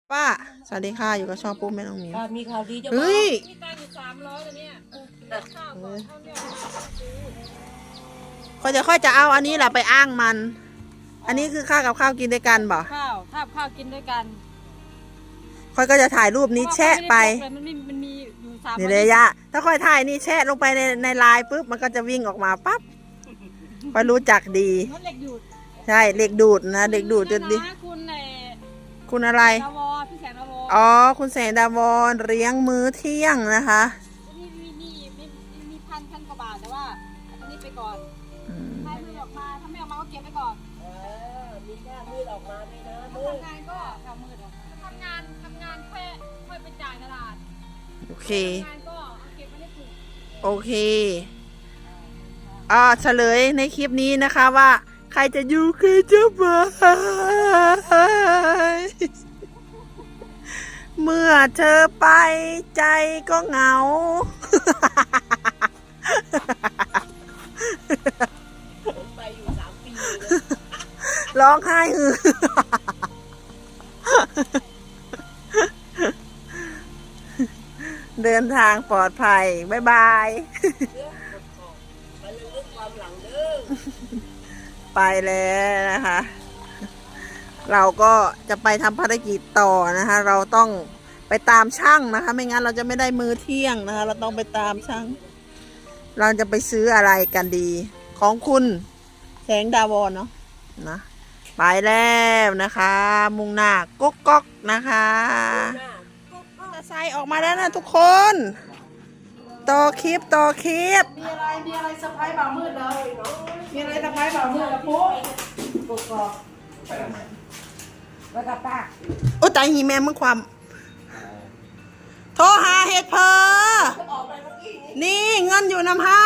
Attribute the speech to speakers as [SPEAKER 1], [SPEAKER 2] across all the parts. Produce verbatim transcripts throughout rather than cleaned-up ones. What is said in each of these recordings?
[SPEAKER 1] ป้าสวัสดีค่ะอยู่กับช่องปุ๊บแม่น้องหมิว
[SPEAKER 2] มีข่าวดีจะบอก
[SPEAKER 1] เฮ้ย
[SPEAKER 3] มีตังค์อยู่สามร้อยแล้วเนี่ยข้าวก่อนข้าวเนี่ยซื้อ
[SPEAKER 1] ค่อยจะค่อยจะเอาอันนี้แหละไปอ้างมัน อันนี้คือข้าวกับข้าวกินด้วยกันบ่
[SPEAKER 3] ข้าวถ้าข้าวกินด้วยกัน
[SPEAKER 1] ค่อยก็จะถ่ายรูปนี้แชะไป
[SPEAKER 3] มันมีมันมีอยู่สาม
[SPEAKER 1] นี่เลยยะถ้าค่อยถ่ายนี่แชะลงไปในในไลน์ปุ๊บมันก็จะวิ่งออกมาปั๊บค่อยรู้จักดี
[SPEAKER 3] มันเหล็กดูด
[SPEAKER 1] ใช่เหล็กดูดนะเหล็กดูดจะดี
[SPEAKER 3] นะคุณใน
[SPEAKER 1] คุณอะไร
[SPEAKER 3] ดาวอพี่แสงดาวอ
[SPEAKER 1] อ๋อคุณแสงดาวรเลี้ยงมื้อเที่ยงนะคะ
[SPEAKER 3] มีมีมีมีมีพันพันกว่าบาทแต่ว่าอันนี้ไปก่อน
[SPEAKER 1] อืม
[SPEAKER 3] ถ้าไม่ออกมาถ้าไม่ออกมาก็เก็บไปก่อน
[SPEAKER 2] เออมีหน้ามืดออกมามีนะมืด
[SPEAKER 3] ทำงานก็ทำมืดทำงานทำงานค่อยค่อยไปจ่ายตลาด
[SPEAKER 1] โอเค
[SPEAKER 3] ทำงานก็เอาเก็บไว้ในถุง
[SPEAKER 1] โอเคอ่าเฉลยในคลิปนี้นะคะว่า ใครจะอยู่ใครจะไปเมื่อเธอไปใจก็เหงา
[SPEAKER 2] ผมไปอยู่สามปีเลย
[SPEAKER 1] ร้องไห้ฮือเดินทางปลอดภัย บ๊ายบาย
[SPEAKER 2] เรื่องไปเรื่องความหลังเด้อ
[SPEAKER 1] ไปแล้วนะคะ เราก็จะไปทำภารกิจต่อนะคะ เราต้องไปตามช่างนะคะ ไม่งั้นเราจะไม่ได้มื้อเที่ยงนะคะ เราต้องไปตามช่าง เราจะไปซื้ออะไรกันดี ของคุณแสงดาวรเนาะนะ ไปแล้วนะคะ มุ่งหน้าก๊กก๊อกนะคะจะใส่ออกมาแล้วนะทุกคนต่อคลิปต่อคลิป
[SPEAKER 3] มีอะไรมีอะไรเซอร์ไพรส์บ่าวมืดเลยมีอะไรเซอร์ไพรส์บ่าวมืดละปุ๊บปุ๊บก็แล้วก็ป้า
[SPEAKER 1] โอ้ตายหีแม่มึงความโทรหาเฮ็ดเพอนี่เงินอยู่น้ำเฮา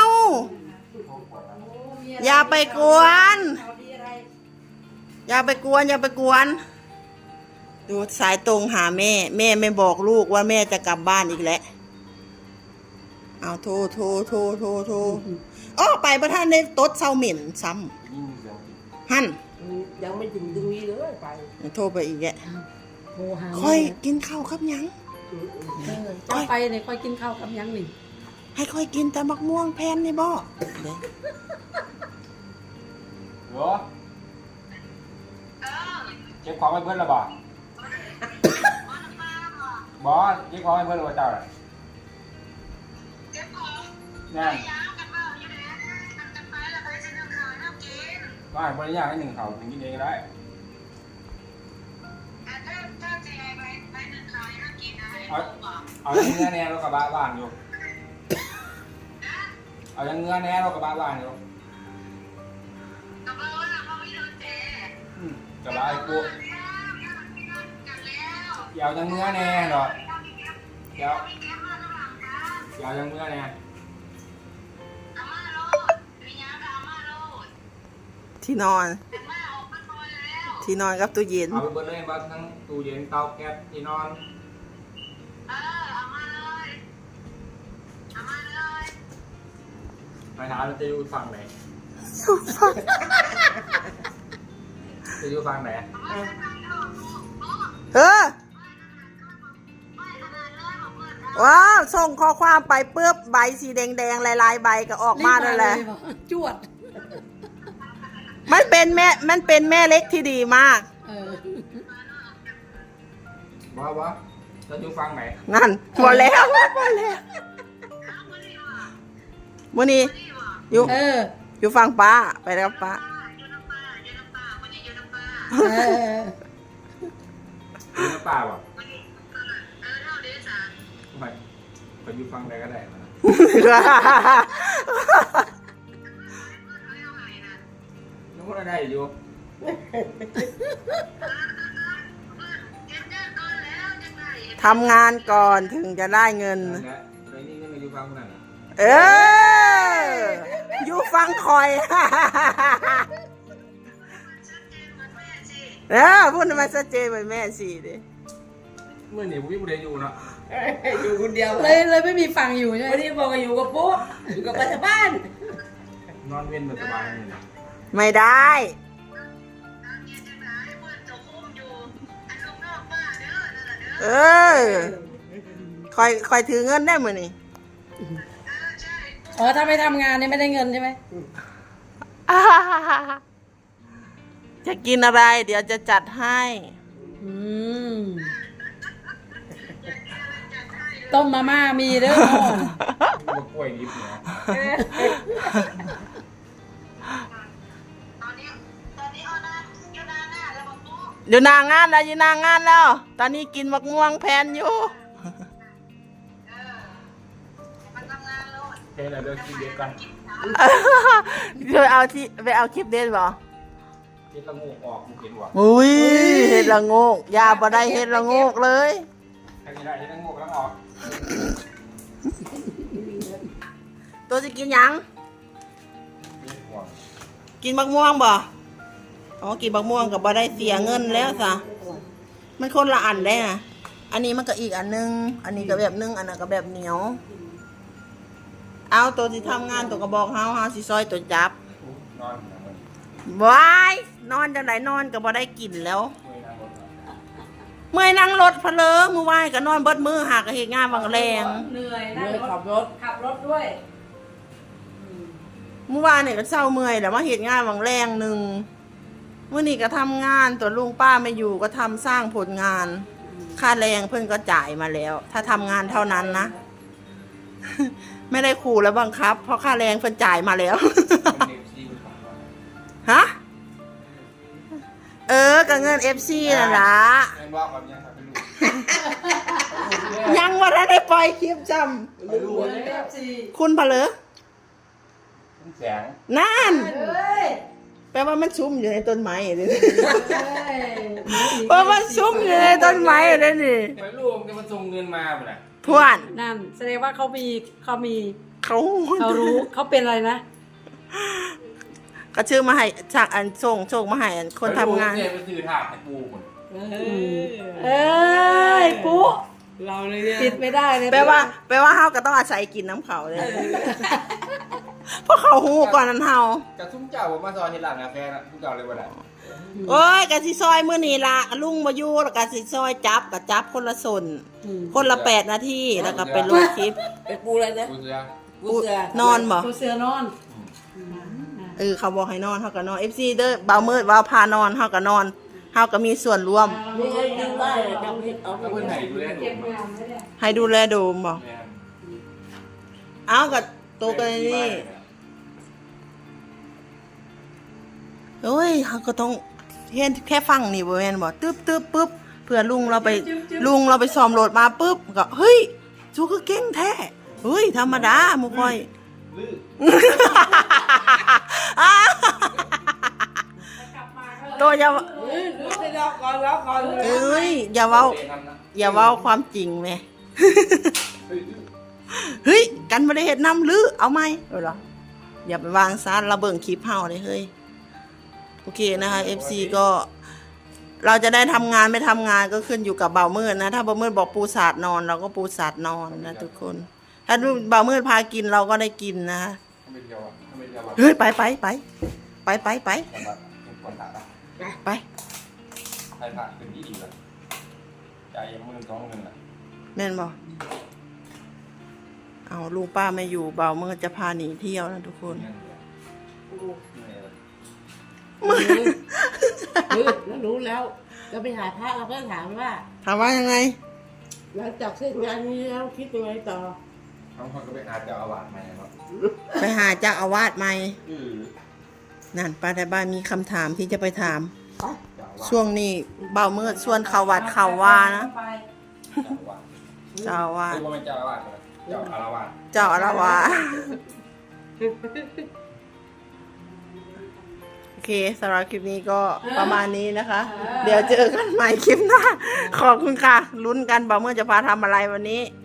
[SPEAKER 1] อย่าไปกวนอย่าไปกวนอย่าไปกวนดูสายตรงหาแม่ แม่ไม่บอกลูกว่าแม่จะกลับบ้านอีกแล้วเอาโทรโทรโทรโทรโทรอ้อไปประธานในโต๊ดเซาเหม็นซ้ำหั่น
[SPEAKER 2] ยังไม่ถึงตรงนี้เลยไป
[SPEAKER 1] โทรไปอีกแก
[SPEAKER 3] โทรหา
[SPEAKER 1] ค่อยกินข้าวครับยัง
[SPEAKER 3] เจ้าไปเนี่ยค่อยกินข้าวกับยังหนึ่ง
[SPEAKER 1] ให้ค่อยกินแต่มักม่วงแพนนี่บ่เด้
[SPEAKER 4] เหรอเก็บของไว้เพื่อนหรือเปล่าบอสเก็บของไว้เพื่อนหรือเปล่าเจ้าน่ะนั่นว่าบริญญาให้หนึ่งเขาถึงกินเองก็ได้เอาเอายังเงื้อแน่เรากับบ้าบ้านอยู่เอายังเงื้อแน่เรากับบ้าบ้านอยู่อืมกับบ้าไอ้กูเดี๋ยวยังเงื้อแน่หรอเดี๋ยวเดี๋ยวยังเงื้อแน่
[SPEAKER 1] ที่นอน ที่นอนกับตู้เย็น
[SPEAKER 4] เอาไปเบิดเลยบ้านทั้งตู้เย็นเตาแก๊สที่นอนไปถามเราจะอยู่ฝั่งไหนจะอยู่ฝั่งไหน
[SPEAKER 1] เออว้าวส่งข้อความไปเปื้อบใบสีแดงๆลายๆใบก็ออกมาแล้วแหละ
[SPEAKER 3] จวด
[SPEAKER 1] มันเป็นแม่ มันเป็นแม่เล็กที่ดีมาก
[SPEAKER 3] เออ
[SPEAKER 4] ว่าว่าจะอยู่ฝั่งไหน
[SPEAKER 1] นั่นหมดแล้วหมดแล้ววันนี้อยู่
[SPEAKER 3] เออ
[SPEAKER 1] อยู่ฟังป้าไปแล้วป้า
[SPEAKER 3] เออ
[SPEAKER 4] อยู่ในป่าป่ะไม่ไปอยู่ฝั่งใดก็ได้นะนึกว่าได้อยู่
[SPEAKER 1] ทำงานก่อนถึงจะได้เงิน
[SPEAKER 4] นั่นแหละไปนี่ก็มาอยู่ฝั่งนั้นน่ะ
[SPEAKER 1] เออ อยู่ฟังคอย เออพูดมาชัดเจนเหมือนแม่สิดิ
[SPEAKER 4] เมื่อนี่ผมไม่ได้อยู่เนาะ
[SPEAKER 2] อยู่คนเดียว
[SPEAKER 3] เลยเลยไม่มีฟังอยู่ใช่ไหม
[SPEAKER 2] วันนี้บอกว่าอยู่กับปุ๊บอยู่กับปัจจุบัน
[SPEAKER 4] นอนเว้นแบบสบายเลยนะ
[SPEAKER 1] ไม่ได้
[SPEAKER 5] เย็นจังไรเพื่อนจะคุ้มอยู่อันลูกนอกบ้านเด้อนั่นแหละ
[SPEAKER 1] เออคอยคอยถือเงินได้มือนี่
[SPEAKER 3] อ๋อถ้าไม่ทำงานเนี่ยไม่ได้เงินใช่ไหม
[SPEAKER 1] อ่าจะกินอะไร เดี๋ยวจะจัดให้
[SPEAKER 3] อืมต้มมาม่ามีเด้อ
[SPEAKER 4] ลูกกล้วยดิบเนี่ย
[SPEAKER 1] อยู่หนางานแล้วอยู่หนางานแล้ว ตอนนี้กินมะม่วงแพนอยู่
[SPEAKER 4] เฮ้ยเราเลิกกินเดียวกัน
[SPEAKER 1] เดี๋ยวเอาที่ไปเอาคลิปเด่นบ่
[SPEAKER 4] กินละงูออกมึงเห็นวะ
[SPEAKER 1] อุ้ยเห็ดละโงกยาบ่ได้เห็ดละโงกเลย
[SPEAKER 4] ใครกินได้เห็นละงูแล้วออก
[SPEAKER 1] ตัวจะกินหยัง
[SPEAKER 4] มีห่วง
[SPEAKER 1] กินมะม่วงบ่อ๋อกินมะม่วงกับบ่ได้เสียเงินแล้วซะมันคนละอันได้นะอันนี้มันก็อีกอันนึง อันนี้ก็แบบนึงอันนั้นก็แบบเหนียว เอาตัวที่ทำงานตัวกระบอกเฮาเฮาสิซอยตัวจับ
[SPEAKER 4] นอนอยู่นะมัน
[SPEAKER 1] วายนอนจังไหนนอนก็บ่ได้กินแล้ว
[SPEAKER 4] เมื่อยนั่งรถเหรอ
[SPEAKER 1] เมื่อยนั่งรถเพลอมือวายก็นอนเบิดมือหากก็เฮ็ดงานบางแรง
[SPEAKER 3] เหนื่อยนั่งขับรถขับรถด้วย
[SPEAKER 1] เมื่อวานเนี่ยก็เศร้าเมื่อยแล้วมาเฮ็ดงานบางแรงหนึงมื้อนี้ก็ทำงานตัวลุงป้าไม่อยู่ก็ทำสร้างผลงาน ค่าแรงเพิ่นก็จ่ายมาแล้ว ถ้าทำงานเท่านั้นนะ ไม่ได้ขู่แล้วบังคับ เพราะค่าแรงเพิ่นจ่ายมาแล้ว
[SPEAKER 4] มันเด็กซีมันของมัน
[SPEAKER 1] ฮะ เออกับเงิน เอฟ ซี น่ะล่ะ
[SPEAKER 4] เรียนว่าความยังทำเป็นลูก
[SPEAKER 1] ยังว่าได้ปล่อยคลิปจ
[SPEAKER 4] ไปลูกเลย
[SPEAKER 1] ำคุณเพลอ
[SPEAKER 4] เป็นแสง
[SPEAKER 1] นั่น
[SPEAKER 3] เฮ้ย
[SPEAKER 1] แปลว่ามันชุ่มอยู่ในต้นไม้เลย
[SPEAKER 3] เฮ้ย
[SPEAKER 1] เพราะมันชุ่มอยู่ในต้นไม้เลยนี่
[SPEAKER 4] ไปลูกจะมาส่งเงินมาป่ะน่ะ
[SPEAKER 1] ทวน
[SPEAKER 3] นั่นแสดงว่าเขามีเขามี
[SPEAKER 1] เขา
[SPEAKER 3] เขารู้เขาเป็นอะไรนะ
[SPEAKER 1] ก็ชื่อมาให้จากอันส่งส่งมาให้อันคนทำงาน
[SPEAKER 4] ไปลูกเนี่ยไปซื้อถาดให้ปูหมด
[SPEAKER 3] เอ้ยปุ๊เราเลยเนี่ยปิดไม่ได้เลย
[SPEAKER 1] แปลว่า แปลว่าเฮาก็ต้องอาศัยกินน้ำเขาเลย เพราะเขาหูก่อนนั้นเฮา
[SPEAKER 4] กับซุ้มเจ้าผมมาซอยที่ร้านกาแฟนะซุ้มเจ้าเลยว่าได้
[SPEAKER 1] โอ้ยกะสิซอยมื้อนี้ละลุงบ่อยู่แล้วกะสิซอยจับกะจับคนละส่วนคนละแปดนาทีแล้วก็ไปลงคลิป
[SPEAKER 2] เป็นปูอะไรนะ
[SPEAKER 4] ปูเสือ
[SPEAKER 2] ปูเสือน
[SPEAKER 1] อนบ่
[SPEAKER 3] ปูเสือนอน
[SPEAKER 1] เออเขาบอกให้นอนเฮาก็นอน เอฟ ซี เด้อบ่าวมืดว่าพานอนเฮาก็นอนเฮาก็มีส่วนร่วม
[SPEAKER 2] นี่ไงดึงได้เลยจำเพชรเอา
[SPEAKER 4] แล้ว
[SPEAKER 2] ไป
[SPEAKER 4] เพื่อนไหนดูแลดู
[SPEAKER 3] เก็บ
[SPEAKER 4] มั้ย
[SPEAKER 3] งานไว้เนี่ย
[SPEAKER 1] ให้ดูแลโดมบ่
[SPEAKER 4] แม่
[SPEAKER 1] เอาก็โตกันนี่โอ้ยเฮาก็ต้องเห็นแค่ฟังนี่บ่แม่นบ่ตึ๊บตึ๊บปึ๊บเพื่อลุงเราไปลุงเราไปซ้อมรถมาปึ๊บก็เฮ้ยจูก็เก่งแท้เฮ้ยธรรมดาหมู่ค่อย
[SPEAKER 4] ลื้อ
[SPEAKER 1] ตัวอย่า
[SPEAKER 2] เฮ้ยดูสิรอก่อนรอก่อน
[SPEAKER 1] เอ้ยอย่าเว้า อย่าเว้าความจริงแม่
[SPEAKER 4] เฮ้ยลื้อ
[SPEAKER 1] เฮ้ยกันบ่ได้เฮ็ดนำหรือเอาไหมเออเหรออย่าไปวางซะเราเบิ่งคลิปเฮาเลยเฮ้ยโอเคนะคะ เอฟ ซี ก็เราจะได้ทำงานไม่ทำงานก็ขึ้นอยู่กับเบามืดนะถ้าเบามืดบอกปูสาดนอนเราก็ปูสาดนอนนะทุกคน ถ้าเบามืดพากินเราก็ได้กินนะ
[SPEAKER 4] ทำไปเที่ยวอ่ะทำไปเที่ยวอ่ะ
[SPEAKER 1] เฮ้ยไปไปไปไปไปไป
[SPEAKER 4] สำหรับเป็นคนต่างอ่ะ
[SPEAKER 1] ไป
[SPEAKER 4] ใครผ่านเป็นที่ดีเลยจ่ายหมื่นสองหมื่นอ่ะ
[SPEAKER 1] แม่นบอกเอาลุงป้าไม่อยู่เบามืดจะพาหนีเที่ยวนะทุกคน
[SPEAKER 4] เงินเดือนเหนื่อยเลย
[SPEAKER 2] เฮ้ยแล้วรู้แล้วเราไปหาพระเราก็ถามว่า
[SPEAKER 1] ถามว่ายังไง
[SPEAKER 2] หลังจากเสร็จงานนี้แล้วคิดยังไงต่อ
[SPEAKER 4] บางคนก็ไปอาจจะเอาหวานมาเนาะ
[SPEAKER 1] ไปหาเจ้าอาวาสใหม่
[SPEAKER 4] อือ
[SPEAKER 1] นั่นป้าแต่บ้านมีคำถามที่จะไปถาม
[SPEAKER 2] ไป
[SPEAKER 4] เจ้าหวาน
[SPEAKER 1] ช่วงนี้เบามืดส่วนเขาวัดเขาว่านะ
[SPEAKER 3] ไป
[SPEAKER 4] เจ้าหวาน
[SPEAKER 1] เจ้าอาวาส
[SPEAKER 4] คือว่าเป็นเจ้าอาวาสเลยเจ้าอารวาส
[SPEAKER 1] เจ้าอาวาสโอเคสำหรับคลิปนี้ก็ประมาณนี้นะคะ เดี๋ยวเจอกันใหม่คลิปหน้า ขอบคุณค่ะ ลุ้นกันเบามืดจะพาทำอะไรวันนี้